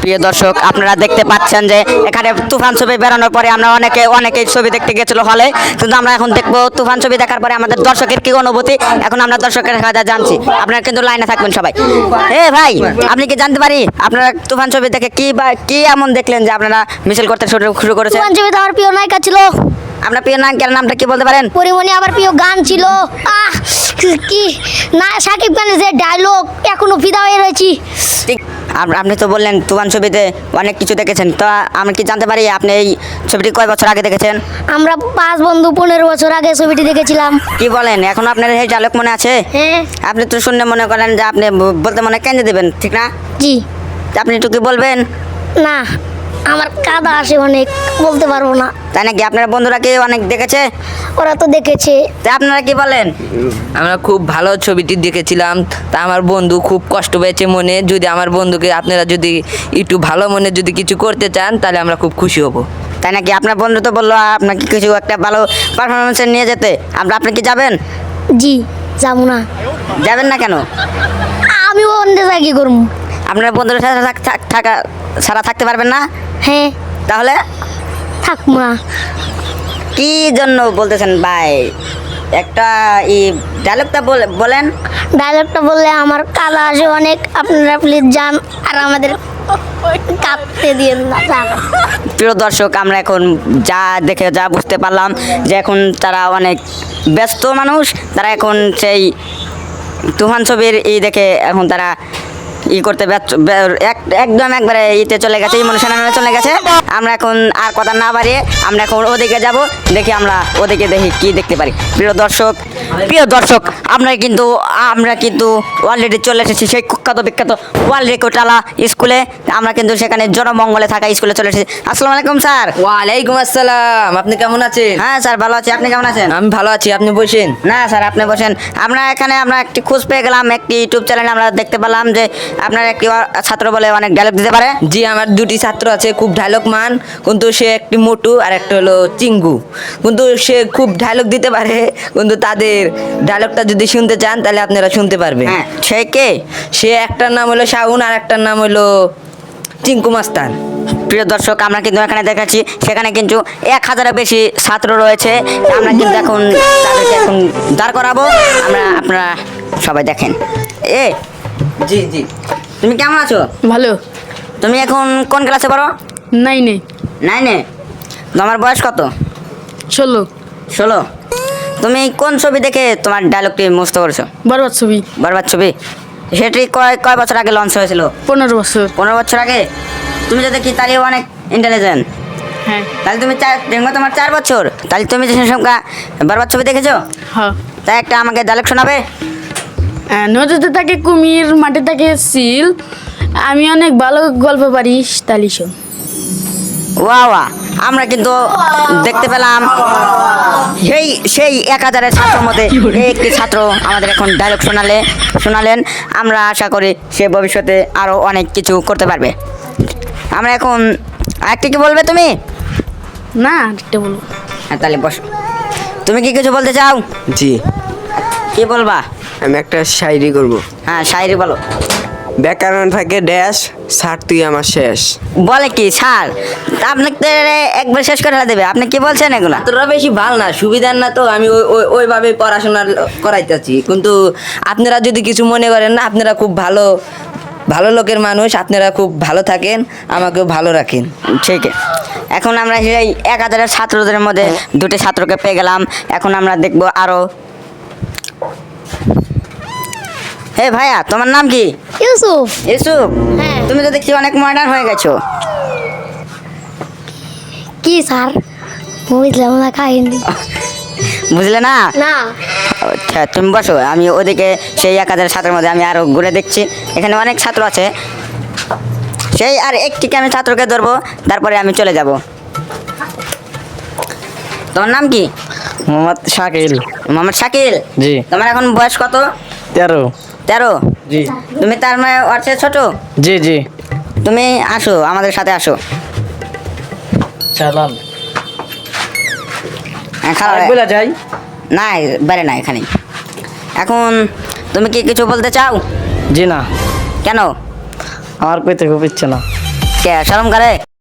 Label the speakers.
Speaker 1: প্রিয় দর্শক, আপনারা দেখতে পাচ্ছেন যে এখানে তুফান ছবি বেরোনোর পরে আমরা অনেকেই ছবি দেখতে গেছিল হলে, কিন্তু আমরা এখন দেখবো তুফান ছবি দেখার পরে আমাদের দর্শকের কি অনুভূতি। এখন আমরা দর্শকের কাছে জানছি, আপনারা কিন্তু লাইনে থাকবেন সবাই। ভাই, আপনি কি জানতে পারি আপনারা তুফান ছবি দেখে কি এমন দেখলেন যে আপনারা মিছিল করতে শুরু করেছেন?
Speaker 2: তুফান ছবিতে আমার প্রিয় নায়িকা ছিল।
Speaker 1: আপনার প্রিয় নায়িকার নামটা কি বলতে পারেন?
Speaker 2: পরিমণি। আবার প্রিয় গান ছিল কি না, শাকিব খানের যে ডায়লগ, এখনো ফিদা হয়ে রয়েছি।
Speaker 1: ঠিক, আপনি তো বললেন তুফান ছবিতে অনেক কিছু দেখেছেন, তো আমি কি জানতে পারি আপনি এই ছবিটি কয় বছর আগে দেখেছেন?
Speaker 2: আমরা 5 বন্ধু 15 বছর আগে ছবিটি দেখেছিলাম।
Speaker 1: কি বলেন, এখন আপনার এই ডায়লগ মনে আছে?
Speaker 2: হ্যাঁ।
Speaker 1: আপনি তো শুনলে মনে করেন যে আপনি বলতে মনে কেন দেবেন, ঠিক না?
Speaker 2: জি।
Speaker 1: আপনি একটু কি বলবেন?
Speaker 2: না, আমার কাদা আসে অনেক, বলতে পারবো না।
Speaker 1: তাই নাকি? আপনার বন্ধুরা কি অনেক দেখেছে?
Speaker 2: ওরা তো দেখেছে।
Speaker 1: তা আপনারা কি বলেন?
Speaker 3: আমরা খুব ভালো ছবিটি দেখেছিলাম। তা আমার বন্ধু খুব কষ্ট পেয়েছে মনে। যদি আমার বন্ধুকে আপনারা যদি একটু ভালো মনে যদি কিছু করতে চান, তাহলে আমরা খুব খুশি হব।
Speaker 1: তাই নাকি? আপনার বন্ধু তো বললো আপনাকে কিছু একটা ভালো পারফরমেন্সে নিয়ে যেতে, আপনি কি যাবেন?
Speaker 2: জি, যাবো না।
Speaker 1: যাবেন না কেন?
Speaker 2: আমি অন্য জায়গায় করবো।
Speaker 1: আপনার বন্ধুদের সাথে থাকা ছাড়া থাকতে পারবেন না?
Speaker 2: হ্যাঁ।
Speaker 1: তাহলে
Speaker 2: থাকবো না।
Speaker 1: কি জন্য বলতেছেন ভাই? একটা ডায়লগটা বলেন।
Speaker 2: ডায়লগটা বললে আমার কাদা আসে অনেক, আপনারা প্লিজ যান আর আমাদের কাঁদতে দিয়েন না। যান।
Speaker 1: প্রিয় দর্শক, আমরা এখন যা বুঝতে পারলাম যে এখন তারা অনেক ব্যস্ত মানুষ, তারা এখন সেই তুফান ছবির দেখে এখন তারা করতে একদম একবারে চলে গেছে, ইমোশনালে চলে গেছে। আমরা এখন আর কথা না বাড়িয়ে আমরা এখন ওদিকে যাব, দেখি আমরা ওদিকে দেখি কি দেখতে পারি। প্রিয় দর্শক, আমরা কিন্তু অলরেডি চলে এসেছি সেই কুখ্যাত বিখ্যাত ওয়ার্ল্ড রেকর্ডওয়ালা স্কুলে। আমরা কিন্তু সেখানে জনমঙ্গলে থাকা স্কুলে চলে এসেছি। আসসালামু আলাইকুম স্যার।
Speaker 3: ওয়ালাইকুম আসসালাম। আপনি কেমন আছেন?
Speaker 1: হ্যাঁ স্যার, ভালো আছি। আপনি কেমন আছেন?
Speaker 3: আমি ভালো আছি, আপনি বসেন।
Speaker 1: না স্যার, আপনি বসেন। আমরা একটি খোঁজ পেয়ে গেলাম, একটি ইউটিউব চ্যানেলে আমরা দেখতে পেলাম যে আপনার একটি ছাত্র বলে অনেক ডায়লগ দিতে পারে।
Speaker 3: জি, আমার 2টি ছাত্র আছে খুব ডায়লগ মান, কিন্তু সে একটি মোটু আর একটা হলো চিঙ্গু। কিন্তু সে খুব ডায়লগ দিতে পারে, কিন্তু তাদের ডায়লগটা যদি শুনতে চান তাহলে আপনারা শুনতে পারবেন।
Speaker 1: হ্যাঁ, সে কে?
Speaker 3: সে একটার নাম হলো শাহুন আর একটার নাম হলো চিঙ্কু মাস্তান।
Speaker 1: প্রিয় দর্শক, আমরা কিন্তু এখানে দেখাচ্ছি সেখানে কিন্তু 1000-এর বেশি ছাত্র রয়েছে। আমরা কিন্তু এখন তাদেরকে এখন দাঁড় করাবো। আপনারা সবাই দেখেন।
Speaker 3: জি জি।
Speaker 1: তুমি কেমন আছো?
Speaker 4: ভালো।
Speaker 1: তুমি এখন কোন ক্লাসে পড়ো?
Speaker 4: 9-এ।
Speaker 1: 9-এ? তোমার বয়স কত?
Speaker 4: 16।
Speaker 1: তুমি কোন ছবি দেখে তোমার ডায়লগটি মুখস্থ করেছো?
Speaker 4: বরবাদ ছবি।
Speaker 1: বরবাদ ছবি? সেটি কয় বছর আগে লঞ্চ হয়েছিল?
Speaker 4: 15 বছর।
Speaker 1: 15 বছর আগে? তুমি যদি কি তাহলে অনেক ইন্টেলিজেন্ট।
Speaker 4: হ্যাঁ।
Speaker 1: তাহলে তুমি তোমার 4 বছর, তাহলে তুমি যে সংখ্যা বরবাদ ছবি দেখেছো?
Speaker 4: হ্যাঁ।
Speaker 1: তাই একটা আমাকে ডায়লগ শোনাবে?
Speaker 4: নদীতে থাকে কুমির, মাটি থাকে সিল, আমি অনেক ভালো গল্প পারি, তালি শোন।
Speaker 1: ওয়া, আমরা কিন্তু দেখতে পেলাম সেই 1000-এর ছাত্রের মধ্যে একটি ছাত্র আমাদের এখন ডায়লগ শোনালেন। আমরা আশা করি সে ভবিষ্যতে আরও অনেক কিছু করতে পারবে। আমরা এখন আরেকটি কি বলবে তুমি?
Speaker 4: না, আরেকটা বলবো।
Speaker 1: হ্যাঁ, তাহলে বসো। তুমি কি কিছু বলতে চাও?
Speaker 5: জি,
Speaker 1: কি বলবা?
Speaker 5: আমি একটা শায়রি করব।
Speaker 1: হ্যাঁ, শায়রি বলো।
Speaker 5: ব্যাকরণ থাকে ড্যাশ, স্যার তুই আমার শেষ।
Speaker 1: বলে কি স্যার? আপনাকে একবার শেষ করে দেবে? আপনি কি বলছেন এগুলা?
Speaker 3: তোরা বেশি ভালো না, সুবিধার না, তো আমি ওইভাবে পড়াশোনা করাইতেছি। কিন্তু আপনারা যদি কিছু মনে করেন না, আপনারা খুব ভালো লোকের মানুষ, আপনারা খুব ভালো থাকেন, আমাকেও ভালো রাখেন।
Speaker 1: ঠিক। এখন আমরা সেই 1000-এর ছাত্রদের মধ্যে 2টি ছাত্রকে পেয়ে গেলাম। এখন আমরা দেখব আরো। হে ভাইয়া, তোমার নাম কি?
Speaker 2: ইউসুফ।
Speaker 1: ইউসুফ?
Speaker 2: হ্যাঁ।
Speaker 1: তুমি তো দেখছি অনেক মডার্ন হয়ে গেছো।
Speaker 2: কি স্যার? বুঝলাম না কাহিনী।
Speaker 1: বুঝলে না?
Speaker 2: না।
Speaker 1: আচ্ছা, তুমি বসো, আমি ওদিকে সেই 1000 ছাত্রের মধ্যে আমি আরো ঘুরে দেখছি। এখানে অনেক ছাত্র আছে, সেই আর একটিকে আমি ছাত্রকে ধরবো, তারপরে আমি চলে যাব। তোমার নাম কি?
Speaker 6: মোহাম্মদ শাকিল।
Speaker 1: মোহাম্মদ শাকিল?
Speaker 6: জি।
Speaker 1: তোমার এখন বয়স কত?
Speaker 6: 13।
Speaker 1: 13?
Speaker 6: জি
Speaker 1: তুমি তার মানে ওর চেয়ে ছোট?
Speaker 6: জি জি।
Speaker 1: তুমি আসো, আমাদের সাথে আসো।
Speaker 6: চালান
Speaker 1: বলে
Speaker 6: যাই।
Speaker 1: না, বাইরে না, এখানে। এখন তুমি কি কিছু বলতে চাও?
Speaker 6: জি না,
Speaker 1: কেন?
Speaker 6: আমার কইতে খুব ইচ্ছে না।
Speaker 1: কে শরম করে